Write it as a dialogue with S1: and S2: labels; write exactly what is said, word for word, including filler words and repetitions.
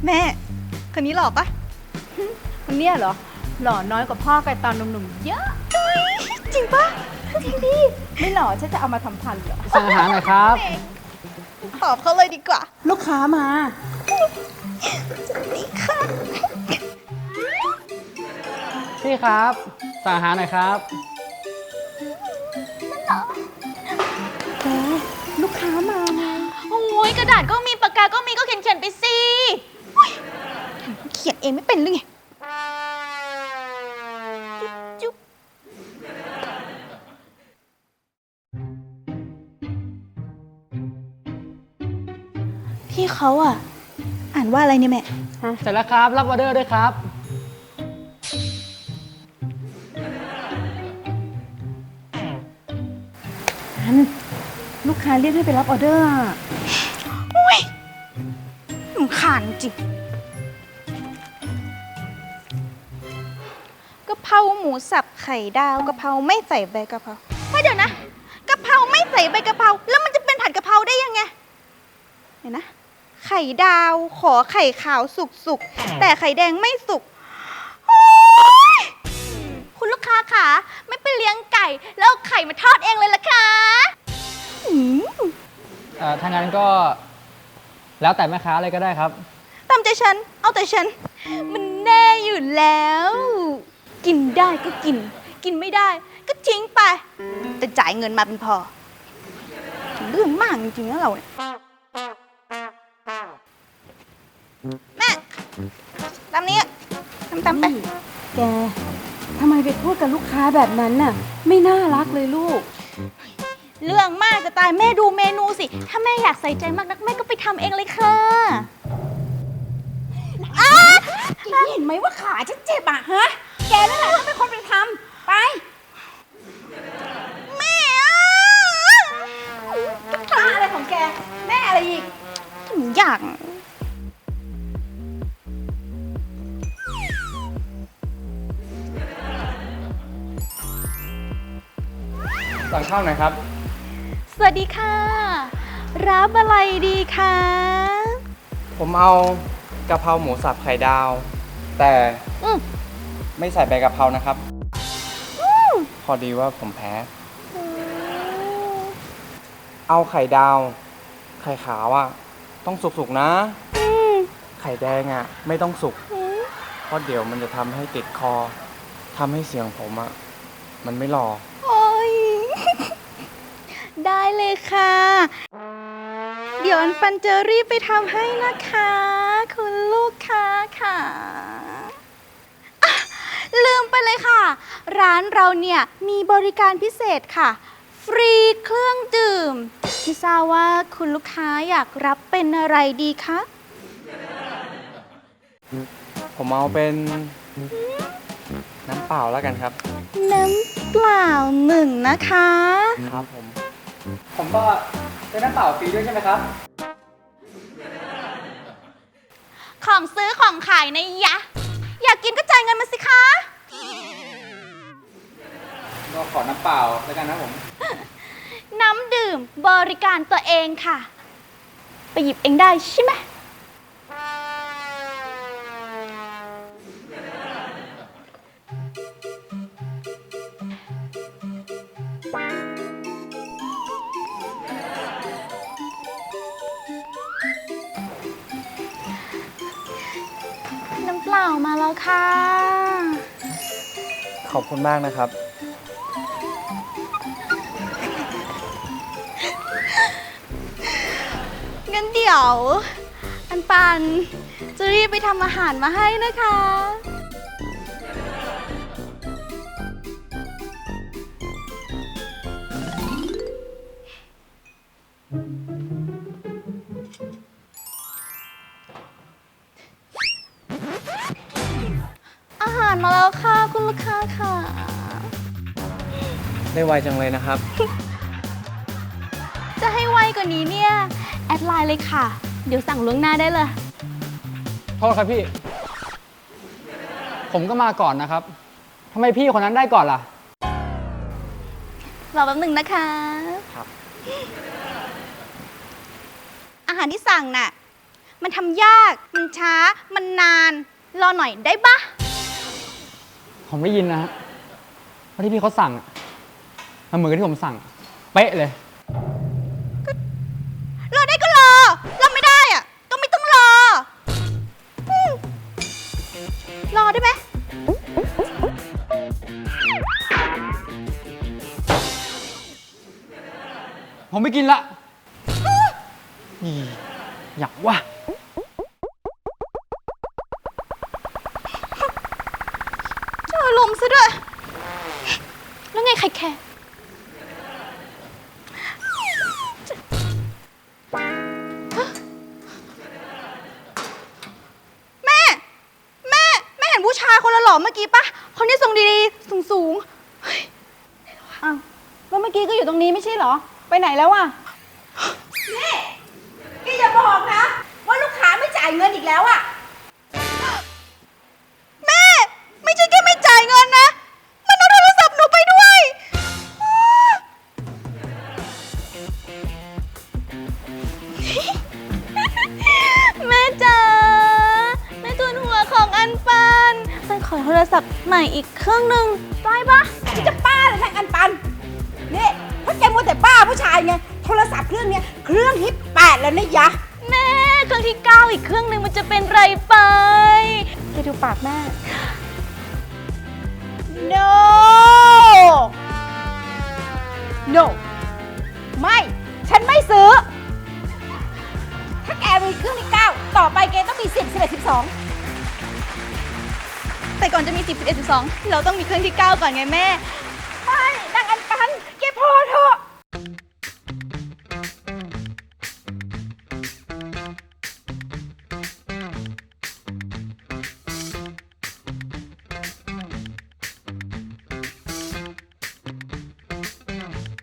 S1: แม่คนนี้หล่อปะ
S2: คนเนี้ยเหรอหล่อน้อยกว่าพ่อกันตอนหนุ่มๆเยอะ
S1: จริงปะจริงดิ
S2: ไม่หล่อฉันจะเอามาทำพันเหรอ
S3: สั่งอาหารหน่อยครับ
S1: ตอบเขาเลยดีกว่า
S2: ลูกค้ามา
S1: นี่ค่ะ
S3: พี่ครับสั่งอาหารหน่อยครับ
S2: แกลูกค้ามาไง
S4: โอ้ยกระดาษก็มีปากกาก็มีก็เขียนเขียนๆไปสิ
S1: เขียนเองไม่เป็นหรือไงจุ๊บพี่เขาอ่ะ อ่านว่าอะไรเนี่ยแม่
S3: เสร็จแล้วครับ รับออเดอร์ด้วยครับ
S2: อันลูกค้าเรียกให้ไปรับออเดอร์อะ
S1: อุ้ยหนูขานจริงกะเพราหมูสับไข่ดาวกะเพราไม่ใส่ใบกะเพราไม่เดี๋ยวนะกะเพราไม่ใส่ใบกะเพราแล้วมันจะเป็นผัดกะเพราได้ยังไงเดี๋ยวนะ ไข่ดาวขอไข่ขาวสุกๆแต่ไข่แดงไม่สุกโอ๊ย
S4: คุณลูกค้าค่ะไม่ไปเลี้ยงไก่แล้วเอาไข่มาทอดเองเลยล่ะคะ
S1: อืม
S3: เอ่อถ้างั้นก็แล้วแต่แม่ค้าเลยก็ได้ครับ
S1: ตามใจฉันเอาแต่ฉัน มันแน่อยู่แล้ว กินได้ก็กิน กินไม่ได้ ก็ทิ้งไปแต่จ่ายเงินมาเป็นพอเรื่องมากจริงๆนะเราเนี่ยแม่ตามนี้ตามตามไป
S2: แกทำไมไปพูดกับลูกค้าแบบนั้นน่ะ ไม่น่ารักเลยลูก
S4: เรื่องมากจะตายแม่ดูเมนูสิ ถ้าแม่อยากใส่ใจมากนักแม่ก็ไปทำเองเลยค่ะ
S2: แกเห็นไหมว่าขาฉันเจ็บอ่ะฮะ แกนั่นแหละต้องเป็นคนไปทำไป
S1: แม่อะ
S2: ตาอะไรของแก แม่อะไรอีก
S1: อยาก
S3: สั่งข้าวหน่อยครับ
S4: สวัสดีค่ะ รับอะไรดีคะ
S5: ผมเอากะเพราหมูสับไข่ดาว แต่
S4: อืม
S5: ไม่ใส่ใบกะเพรานะครับ พอดีว่าผมแพ้ เอาไข่ดาว ไข่ขาวอ่ะ ต้องสุกๆนะ ไข่แดงอ่ะ ไม่ต้องสุก เพราะเดี๋ยวมันจะทำให้ติดคอทำให้เสียงผมอ่ะ มันไม่หล่อ
S1: โอ๊ย ได้เลยค่ะ เดี๋ยวอันปันจะรีบไปทำให้นะคะ คุณลูกค้าค่ะอ่ะ ลืมไปเลยค่ะ ร้านเราเนี่ยมีบริการพิเศษค่ะ ฟรีเครื่องดื่มไม่ทราบว่าคุณลูกค้าอยากรับเป็นอะไรดีคะ
S5: ผมเอาเป็นน้ำเปล่าแล้วกันครับ
S1: น้ำเปล่าหนึ่งนะคะ
S5: ครับผม
S3: ผมก็ได้น้ำเปล่าฟรีด้วยใช่ไหมครับ
S4: ของซื้อของขายนะยะ อยากกินก็จ่ายเงินมาสิคะ
S3: ก็ขอน้ำเปล่าแล้วกันนะผม
S4: น้ำดื่มบริการตัวเองค่ะ ไปหยิบเองได้ใช่ไหม น้ำเปล่ามาแล้วค่ะ
S5: ขอบคุณมากนะครับ
S1: งั้นเดี๋ยว อันปันจะรีบไปทำอาหารมาให้นะคะ อาหารมาแล้วค่ะ คุณลูกค้าค่ะ
S5: ได้ไวจังเลยนะครับ
S4: จะให้ไวกว่านี้เนี่ย แอดไลน์เลยค่ะ เดี๋ยวสั่งล่วงหน้าได้เลย
S3: โทษครับพี่ ผมก็มาก่อนนะครับทำไมพี่คนนั้นได้ก่อนล่ะ
S1: รอแป๊บหนึ่งนะคะ
S5: ครับ
S1: อาหารที่สั่งน่ะมันทำยาก มันช้า มันนาน รอหน่อยได้ปะ
S3: ผมได้ยินนะฮะว่าที่พี่เขาสั่งอะมันเหมือนกับที่ผมสั่ง เป๊ะเลย
S1: รอได้ก็รอ รอไม่ได้อะก็ไม่ต้องรออืมรอได้ไหม
S3: ผมไม่กินละอีอยากว่า
S1: เจอลมณ์ซะด้วย แล้วไงใครแคร์แม่ แม่ แม่เห็นผู้ชายคนละหล่อเมื่อกี้ปะคนที่ทรงดีๆ สูงสูงๆเฮ้ย
S2: อ้าวแล้วเมื่อกี้ก็อยู่ตรงนี้ไม่ใช่เหรอ ไปไหนแล้วอะนี่แกอย่าบอกนะ ว่าลูกค้าไม่จ่ายเงินอีกแล้วอะ
S1: แม่ ไม่ใช่แค่ไม่จ่ายเงินนะ มันเอาโทรศัพท์หนูไปด้วย แม่จ๋าแม่ทุนหัวของอันปันมันขอโทรศัพท์ใหม่อีกเครื่องหนึ่งได้ปะ
S2: ที่จะป้าเลยนางอันปันนี่ถ้าแกมัวแต่ป้าผู้ชายไงโทรศัพท์เครื่องเนี้ยเครื่องที่แปดแล้วนะยะ
S1: แม่เครื่องที่เก้าอีกเครื่องหนึ่งมันจะเป็นไรไปแกดูปากแม่
S2: no no ไม่ ฉันไม่ซื้อ ถ้าแกมีเครื่องที่เก้าต่อไปแกต้องมีสิบสิบเอ็ดสิบสอง
S1: แต่ก่อนจะมีสิบ สิบเอ็ด สิบสองเราต้องมีเครื่องที่เก้าก่อนไงแม่
S2: ไม่นางอันปันแกพอเถอะ